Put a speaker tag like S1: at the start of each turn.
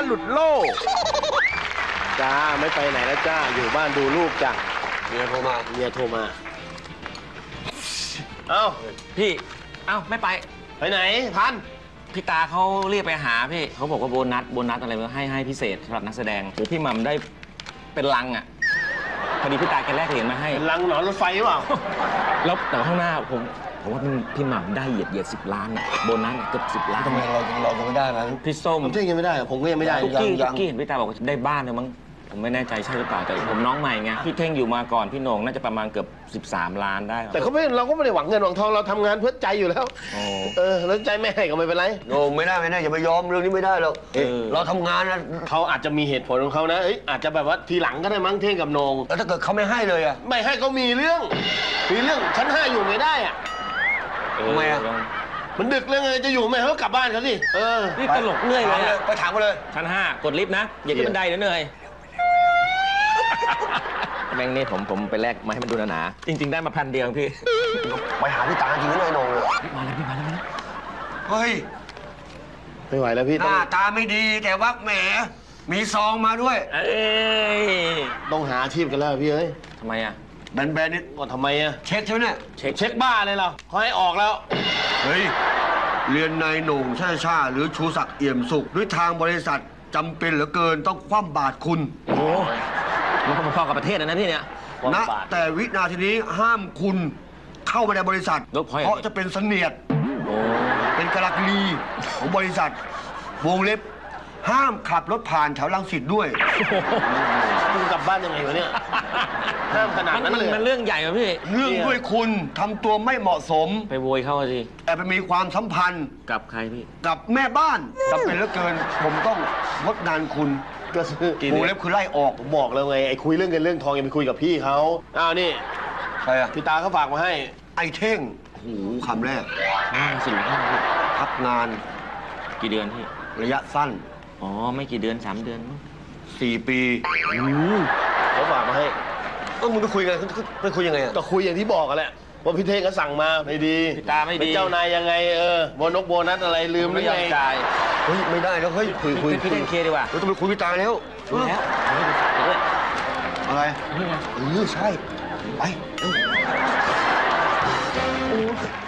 S1: หลุดโลกจ้าไม่ไปไหนแล้วจ้าอยู่บ้านดูลูกจ้าเมียโทรมาเอ้า
S2: พี่เอ้าไม่ไป
S1: ไหนพัน
S2: พี่ตาเขาเรียกไปหาพี่เขาบอกว่าโบนัสอะไรให้พิเศษสำหรับนักแสดงหรือพี่หม่ำได้เป็นลังอ่ะพอดีพี่ตาแกแลกเหรียญมาให้
S1: ลังหนอนรถไฟหรือเปล่า
S2: แล้วแต่ข้างหน้าผมว่าพี่หม่ำได้เหยียด10 ล้านอ่ะโบนัสเกือบ10 ล้าน
S3: ทำไมเรายังไม่ได้นะ
S2: พี่ส้ม
S1: ผมยังไม่ได้ผมก็ยังไม่ได้
S2: ทุกกี้เห็นพี่ตาบอกว่าได้บ้านเลยมั้งผมไม่แน่ใจใช่หรือเปล่าแต่ผมน้องใหม่ไงพี่เท่งอยู่มาก่อนพี่โหน่งน่าจะประมาณเกือบ13 ล้านได้
S1: แต่เราก็ไม่ได้หวังเงินหวังทองเราทำงานเพื่อใจอยู่แล้วแล้วใจไม่ให้ก็ไม่เป็นไร
S3: โหน่งไม่ได้อย่าไปยอมเรื่องนี้ไม่ได้หรอกเราทำงานนะ
S1: เขาอาจจะมีเหตุผลของเขานะอาจจะแบบว่าทีหลังก็ได้มั้งเท่งกับโหน่ง
S3: แล้วถ้าเกิดเขาไม่ให้เลยอะ
S1: ไม่ให้เขามีเรื่องชั้น5อยู่ไม่ได้อะ
S3: ทำไมอะ
S1: มันดึกแล้วไงจะอยู่ไม่ให้เขากลับบ้านเขาสิ
S2: นี่ตลกเรื่อยเลย
S3: ไปถามมาเลย
S2: ชั้น5กดลิฟต์นะอย่าขึ้นบันไดเนื่อยแบงค์นี่ผมไปแลกมาให้มันดูหนาจริงๆได้มา1,000 เดียวพี่
S3: ไปหาพี่ตาจริงๆเลยโหน่งเลย
S2: มาแล้ว
S3: เฮ้ย
S1: ไม่ไหวแล้วพี่
S3: หน้าตาไม่ดีแต่ว่าแหมมีซองมาด้วย
S1: ต้องหาอาชีพกันแล้วพี่
S2: ทำไมอะ
S3: แบนๆนี่
S1: ก่อนทำไมอะ
S3: เช็คใช่ไหมเนี่ย
S1: เช็คบ้าเลยเหรอเขาให้ออกแล้ว
S3: เฮ้ยเรียนนายโหน่งชาหรือชูศักดิ์เอี่ยมสุขด้วยทางบริษัทจำเป็นเหลือเกินต้องคว่ำบาตรคุณ
S2: โอ้มันพอๆกับประเทศนะพี่เนี่ย
S3: นะแต่วินาทีนี้ห้ามคุณเข้ามาในบริษัทเพราะจะเป็นเสนียดเป็นกะลักลีของบริษัทวงเล็บห้ามขับรถผ่านแถวรังสิตด้วย
S1: มึงกลับบ้านยังไงวะเนี่ยห้ามขนาดนั้นเลย
S2: มันเรื่องใหญ่ป่ะพี่
S3: เรื่องด้วยคุณทำตัวไม่เหมาะสม
S2: ไปโวยเข้าสิ
S3: แต่ไปมีความสัมพันธ์
S2: กับใครพี่
S3: กับแม่บ้านจำเป็นเหลือเกินผมต้องงดงานคุณ
S1: ก็
S3: วงเล็บคือไล่ออก
S1: ผมบอกแล้วไงไอ้คุยเรื่องเงินเรื่องทองอย่าไปคุยกับพี่เขานี่
S3: ใครอะ
S1: พี่ตาเขาฝากมาให้
S3: ไอ้เท่งหูคำแรก
S2: 45
S3: พักงาน
S2: กี่เดือนพี่
S3: ระยะสั้น
S2: อ๋อไม่กี่เดือน3 เดือน
S3: 4 ปี
S1: เขาฝากมาให้
S3: มึงไปคุยกันไปคุยยังไงอะ
S1: ก็คุยอย่างที่บอกกันแหละว่าพี่เท่งก็สั่งมาไม่ดี
S2: พี่ตาไม่ดี
S1: เป็นเจ้านายยังไงโบนัสอะไรลืมหรือไง
S3: เฮ้ยไม่ได้แล้วเฮ้ย
S2: คุยพี่เท่งเคลียร์ดีกว่า
S3: ต้องไปคุยพี่ตาแล้วอะไร
S2: นี่ไง
S3: ใช่ไป